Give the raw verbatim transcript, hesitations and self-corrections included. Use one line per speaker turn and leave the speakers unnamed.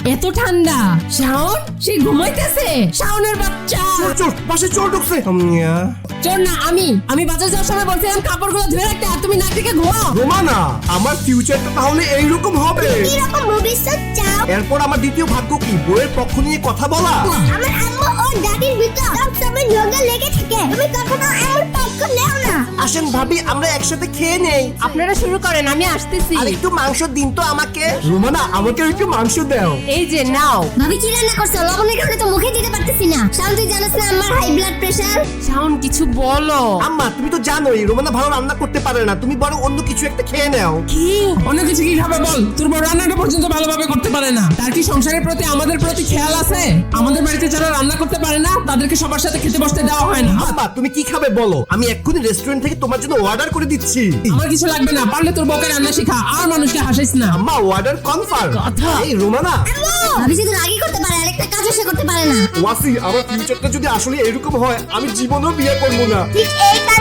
এত ঠান্ডা। শাওন সে ঘুমাইতেছে। শাওনের বাচ্চা।
চোর চোর বাসে চোর ঢুকছে। আম্মিয়া।
চোর না আমি আমি বাজার যাওয়ার সময় বলছিলাম কাপড়গুলো ধুয়ে রাখতে, আর তুমি নাক থেকে ঘুমাও।
রোমানা, আমার ফিউচারটা তাহলে এইরকম হবে।
এরকম ভবিষ্যৎ চাও?
এরপর আমার দ্বিতীয় ভাগ্য কি? বইয়ের পক্ষ নিয়ে কথা বলা।
আমার আম্মু ও দাদির ভিতর সবসময় ঝগড়া লেগে থাকে, তুমি কখনো আমার পক্ষ নেও না।
আসেন ভাবি, আমরা একসাথে খেয়ে নেই।
আপনারা শুরু করেন, আমি আসতেছি।
আর একটু মাংস দিন তো আমাকে। রোমানা, আমাকে একটু মাংস দাও।
এই যে নাও।
ভাবি কি রান্না করছো? লবণের কারণে তো মুখে দিতে পারতেছি না। শাওন তুই জানিস না আমার হাই ব্লাড প্রেশার?
শাওন কিছু বলো।
আম্মা তুমি তো জানোই রোমানা ভালো রান্না করতে পারে না, তুমি বরং অন্য কিছু একটা খেয়ে নাও।
কি?
অন্য কিছু কি খাবে বল? তোর বড় রান্নাটা পর্যন্ত ভালোভাবে করতে পারে না। তার কি সংসারের প্রতি আমাদের প্রতি খেয়াল আছে? আমাদের বাড়িতে যারা রান্না করতে পারে না তাদেরকে সবার সাথে খেতে বসতে দেওয়া হয় না।
আম্মা তুমি কি খাবে বলো, আমি এক্ষুনি রেস্টুরেন্ট থেকে তোমার জন্য অর্ডার করে দিচ্ছি।
আমার কিছু লাগবে না, পারলে তোর বউকে রান্না শেখা, আর মানুষকে হাসাইস না।
আম্মা অর্ডার কনফার্ম।
কথা।
এই রোমানা,
ভাবি শুধু রাগই করতে পারে, আরেকটা কাজও সে করতে পারে না।
ওয়াসি, আমার ফিউচারটা যদি আসলে এরকম হয় আমি জীবনেও বিয়ে করবো না।
ঠিক এই